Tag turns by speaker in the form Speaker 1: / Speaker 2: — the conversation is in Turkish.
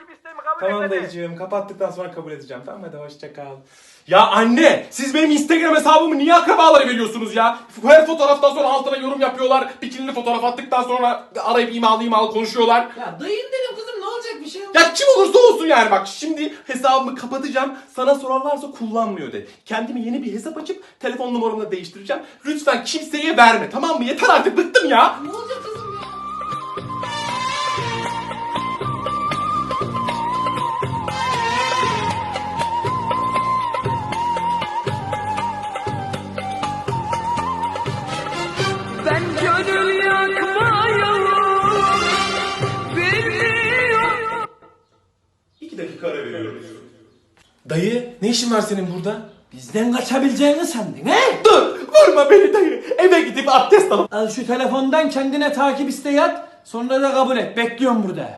Speaker 1: takip isteğimi kabul et
Speaker 2: Tamam
Speaker 1: hadi.
Speaker 2: dayıcığım, kapattıktan sonra kabul edeceğim. Tamam hadi hoşça kal. Ya anne, siz benim Instagram hesabımı niye akrabalara veriyorsunuz ya? Her fotoğraftan sonra altına yorum yapıyorlar. Bikinili fotoğraf attıktan sonra arayıp imalı konuşuyorlar.
Speaker 3: Ya dayın dedim kızım, ne olacak, bir şey yok.
Speaker 2: Ya kim olursa olsun yani, bak şimdi hesabımı kapatacağım. Sana sorarlarsa kullanmıyor de. Kendime yeni bir hesap açıp telefon numaramı da değiştireceğim. Lütfen kimseye verme, tamam mı? Yeter artık, bıktım ya.
Speaker 3: Ne olacak kızım ya?
Speaker 1: Ben gönül yakmayalım. Biliyorum.
Speaker 2: 2 dakika ara veriyoruz. Dayı, ne işin var senin burada?
Speaker 3: Bizden kaçabileceğini sandın he?
Speaker 2: Dur, vurma beni dayı. Eve gidip abdest alıp
Speaker 3: Al şu telefondan kendine takip isteği at. Sonra da kabul et. Bekliyorum burada.